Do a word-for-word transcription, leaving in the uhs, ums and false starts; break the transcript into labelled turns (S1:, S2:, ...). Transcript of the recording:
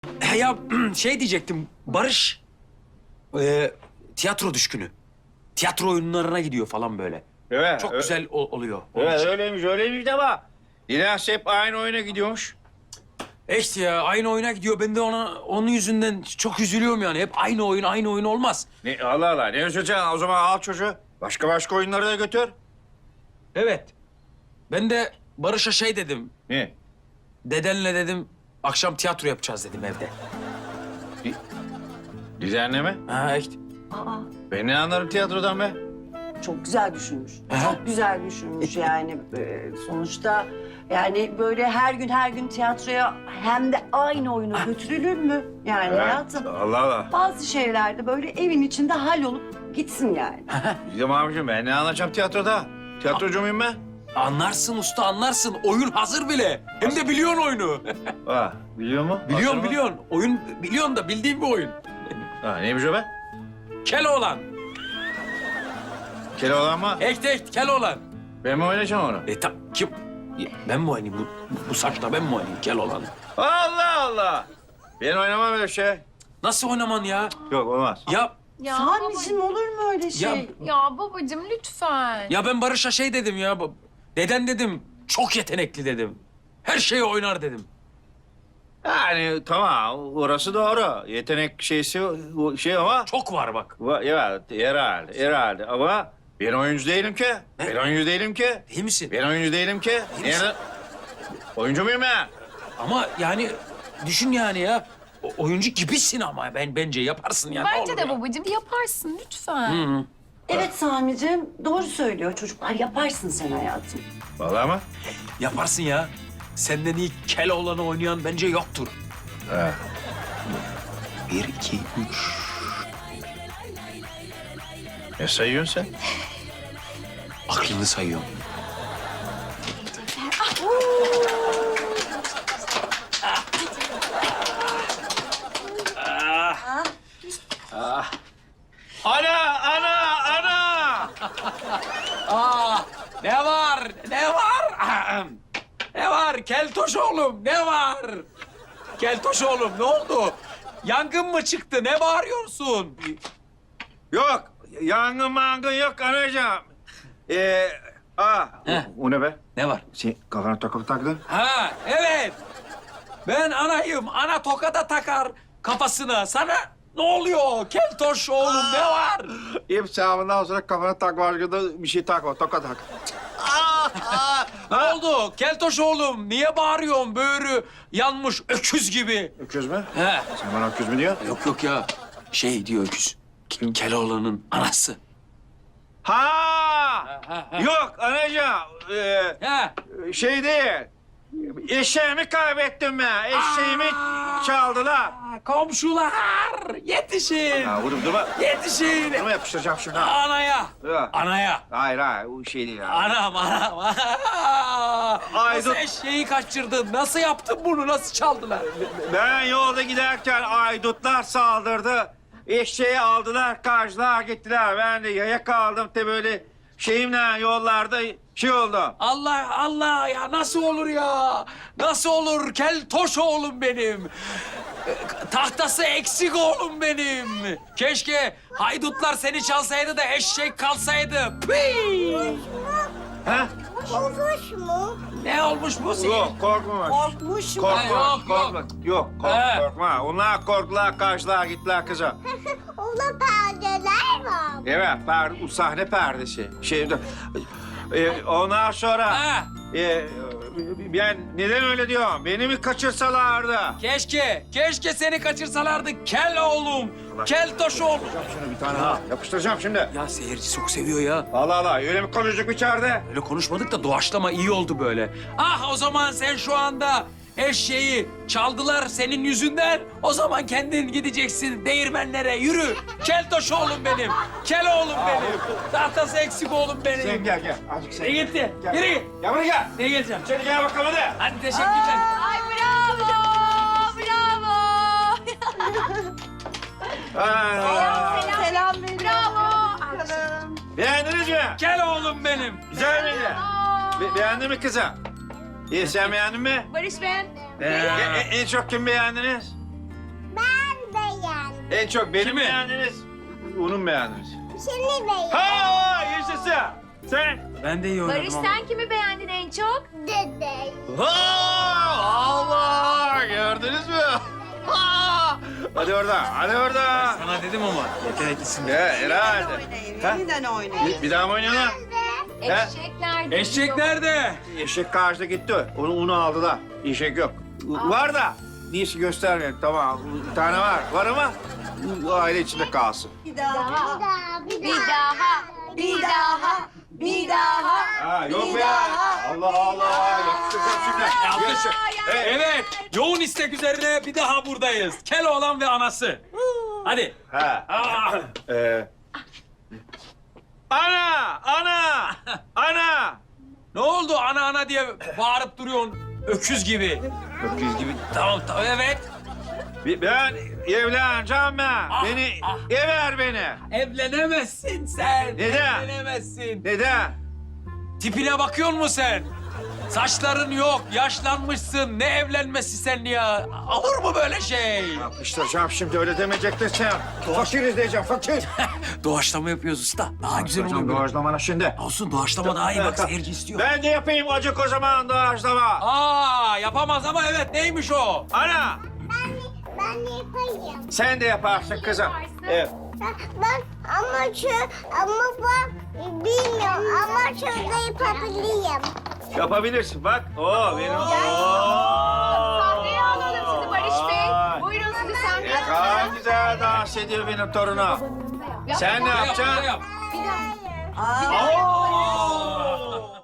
S1: He ya şey diyecektim, Barış e, tiyatro düşkünü. Tiyatro oyunlarına gidiyor falan böyle.
S2: Evet.
S1: Çok
S2: ö-
S1: güzel o- oluyor. onun
S2: Evet
S1: için.
S2: öyleymiş öyleymiş de ama İlyas hep aynı oyuna gidiyormuş.
S1: E işte ya aynı oyuna gidiyor. Ben de ona onun yüzünden çok üzülüyorum yani. Hep aynı oyun, aynı oyun olmaz.
S2: Ne, Allah Allah ne üzüleceksin o zaman al çocuğu. Başka başka oyunlara da götür.
S1: Evet. Ben de Barış'a şey dedim.
S2: Ne?
S1: Dedenle dedim akşam tiyatro yapacağız dedim evde.
S2: Düzenleme.
S1: Ha işte.
S3: Aa,
S2: Ben ne anlarım tiyatrodan be?
S3: çok güzel düşünmüş.
S1: Aha.
S3: Çok güzel düşünmüş yani. Ee, sonuçta yani böyle her gün her gün tiyatroya hem de aynı oyunu götürülür mü? Yani hayatım.
S2: Allah Allah.
S3: Bazı şeylerde böyle evin içinde hallolup gitsin yani.
S2: Bizim abicim ben ne anlatacağım tiyatroda? Tiyatrocu muyum ben?
S1: Anlarsın usta anlarsın. Oyun hazır bile. Hem de biliyorsun oyunu.
S2: Ha, biliyor mu? Hazır
S1: biliyorsun
S2: mı?
S1: biliyorsun. Oyun biliyorsun da bildiğin bir oyun.
S2: Ha, neymiş o be?
S1: Keloğlan.
S2: Keloğlan mı?
S1: Echt echt Keloğlan.
S2: Ben mi oynayacağım onu?
S1: E tam kim? Ya, ben mi oynayayım? Bu, bu saçla ben mi oynayayım Keloğlan'ı?
S2: Allah Allah. Ben oynamam öyle şey.
S1: Nasıl oynaman ya?
S2: Yok olmaz.
S1: Ya
S4: Ya
S3: Sami'cim olur mu öyle şey?
S1: Ya-
S4: baba- ya babacığım lütfen.
S1: ya ben Barış'a şey dedim ya. bu- Deden dedim. Çok yetenekli dedim. Her şeyi oynar dedim.
S2: Yani tamam orası doğru. Yetenek şeysi o şey ama...
S1: Çok var bak.
S2: Va- Evet herhalde herhalde ama ben oyuncu değilim ki. Ben oyuncu değilim ki.
S1: Değil misin?
S2: Ben oyuncu değilim ki.
S1: Değil misin?
S2: Nerede? Oyuncu muyum ben?
S1: Ama yani düşün yani ya. O- oyuncu gibisin ama ben bence yaparsın yani. ne
S4: Bence
S1: olur
S4: de
S1: ya.
S4: babacığım yaparsın lütfen.
S1: Hı hı.
S3: Evet Sami'cim doğru söylüyor çocuklar. Yaparsın sen hayatım.
S2: Vallahi mı?
S1: Yaparsın ya. Senden iyi Keloğlan'ı oynayan bence yoktur.
S2: He.
S1: Bir, iki, üç.
S2: Ne sayıyorsun sen?
S1: Aklını sayıyorum.
S2: Ana, ana, ana!
S1: Aa, ne var? Ne var? Ahem. Ne var? Keltoş oğlum, ne var? Keltoş oğlum, ne oldu? Yangın mı çıktı? Ne bağırıyorsun?
S2: Yok, yangın mangın yok anacığım. Ee, aa,
S1: Heh.
S2: o, o ne be?
S1: Ne var?
S2: Sen kafana takıp taktın.
S1: Ha, evet. Ben anayım. Ana toka da takar kafasına. Sana ne oluyor? Keltoş oğlum, ne var?
S2: İp sağımından sonra kafana tak başka da bir şey takma, toka tak.
S1: Ne oldu? Keltoş oğlum, niye bağırıyorsun? Böğrü yanmış öküz gibi.
S2: Öküz mü?
S1: He.
S2: Sen bana öküz mü diyorsun?
S1: Yok yok ya. Şey diyor öküz. Kim? Keloğlan'ın anası.
S2: Ha!
S1: ha, ha.
S2: Yok anacığım, ee,
S1: He.
S2: şey değil. Eşeğimi kaybettim ben. Eşeğimi çaldılar.
S1: Komşular yetişin.
S2: Ha, vurup durma.
S1: Yetişin.
S2: Durma yapıştıracağım şuna.
S1: Anaya.
S2: Ya.
S1: Anaya.
S2: Hayır hayır, o şey değil ya.
S1: Anam anam.
S2: Ay,
S1: Nasıl
S2: dur.
S1: eşeği kaçırdın? Nasıl yaptın bunu? Nasıl çaldılar?
S2: Ben yolda giderken aydutlar saldırdı. Eşeği aldılar, kaçtılar, gittiler. Ben de yaya kaldım de böyle şeyimle yollarda şey oldu.
S1: Allah Allah ya nasıl olur ya? Nasıl olur? Keltoş oğlum benim. Ee, Tahtası eksik oğlum benim. Keşke haydutlar seni çalsaydı da eşek kalsaydı. Pii!
S2: Ha?
S5: Olmuş mu?
S1: Ne olmuş bu senin?
S2: Yok, korkma.
S3: Korkmuş mu?
S2: Korkma,
S1: Ha, yok,
S2: korkma. Yok, kork,
S1: He.
S2: korkma. Onlar korktular, kaçtılar, gittiler kızım.
S5: Ona perdeler var.
S2: Evet, perde, sahne perdesi. Şey, e, ondan sonra...
S1: Ha,
S2: e, ben neden öyle diyorum? Beni mi kaçırsalardı?
S1: keşke, keşke seni kaçırsalardı kel oğlum. Keltoş oğlum.
S2: Şunu bir tane ha. Yapıştıracağım şimdi.
S1: Ya seyirci çok seviyor ya.
S2: Allah Allah, öyle mi konuştuk içeride?
S1: Öyle konuşmadık da doğaçlama iyi oldu böyle. Ah o zaman sen şu anda eşeği çaldılar senin yüzünden. O zaman kendin gideceksin değirmenlere yürü. Keltoş oğlum benim. Kel oğlum benim. Tahtası eksik oğlum benim.
S2: Sen gel gel. Azıcık sen
S1: Ne
S2: gel.
S1: gitti?
S2: Gel.
S1: Yürü git.
S2: Gel buraya gel.
S1: Ne geleceğim?
S2: Seni gel bakalım hadi.
S1: Hadi teşekkürler.
S4: Ay bravo! Bravo!
S2: Aa,
S3: Selam verin.
S4: Bravo!
S2: beğendiniz mi?
S1: Kel oğlum benim.
S2: Güzel miydi? Be- beğendin mi kızım? İyi sen beğendin mi?
S4: Barış ben.
S2: E- e- en çok kim beğendiniz? En çok benim
S1: Kimi?
S2: beğendiniz, onun beğendiniz.
S5: Seni beğendim.
S2: Ha, yaşasın. Sen.
S1: Ben de iyi oynadım
S4: Barış
S1: ama.
S4: sen kimi beğendin en çok?
S5: Dede.
S2: Ha, Allah, gördünüz mü? Ha! Hadi oradan, hadi oradan.
S1: Sana dedim ama yeteneklisin.
S2: Ya, herhalde.
S3: Oynayın,
S2: Ha?
S3: yeniden oynayın.
S2: Bir, bir daha mı oynayalım?
S4: Eşek nerede?
S1: Eşek nerede?
S2: Eşek karşıda gitti. Onu, onu aldılar. Eşek yok. Var da. Neyse göstermeyelim. Tamam. Bir tane var. Var ama bu aile içinde kalsın.
S3: Bir daha.
S5: Bir daha, bir
S4: Bir
S5: daha.
S4: daha.
S3: Bir daha. Bir daha.
S2: Ha yok
S3: Bir
S2: be.
S3: daha.
S2: Allah Allah. Yapıştıracağım şimdi. Yaşa. Evet.
S1: Evet. Yoğun istek üzerine bir daha buradayız. Keloğlan ve anası. Hadi.
S2: Ha.
S1: Aa!
S2: Ee. Ana! Ana! Ana!
S1: Ne oldu ana ana diye bağırıp duruyorsun öküz gibi.
S2: Öküz gibi.
S1: Tamam tamam evet.
S2: Bir- Ben evleneceğim ben.
S1: Ah,
S2: Beni,
S1: ah.
S2: ever beni.
S1: Evlenemezsin sen.
S2: Neden?
S1: Evlenemezsin.
S2: Neden?
S1: Tipine bakıyor musun sen? Saçların yok, yaşlanmışsın. Ne evlenmesi sen ya? Olur mu böyle şey?
S2: Yapıştıracağım şimdi öyle demeyecektin sen. Fakiriz diyeceğim fakir.
S1: Doğaçlama yapıyoruz usta. Daha güzel oluyor. böyle.
S2: Doğaçlamana şimdi.
S1: Olsun doğaçlama daha iyi bak seyirci istiyor.
S2: Ben de yapayım acık o zaman doğaçlama.
S1: Aa yapamaz ama evet neymiş o?
S2: Ana
S5: Ben, ben yapayım.
S2: sen de yaparsın kızım. Evet.
S5: Ben, ben ama şu, ama bak bilmiyorum ama şurada yapabilirim.
S2: Yapabilirsin bak. Oo benim.
S4: Sahneye alalım sizi Barış Bey.
S2: Vay.
S4: Buyurun sizi
S2: Ne
S4: sahneye
S2: kadar
S4: alalım.
S2: güzel dans ediyor benim torunum. Sen ne
S1: Yap, yap,
S2: yapacaksın?
S1: yap.
S4: Bir daha.
S3: Aa.
S1: Oo!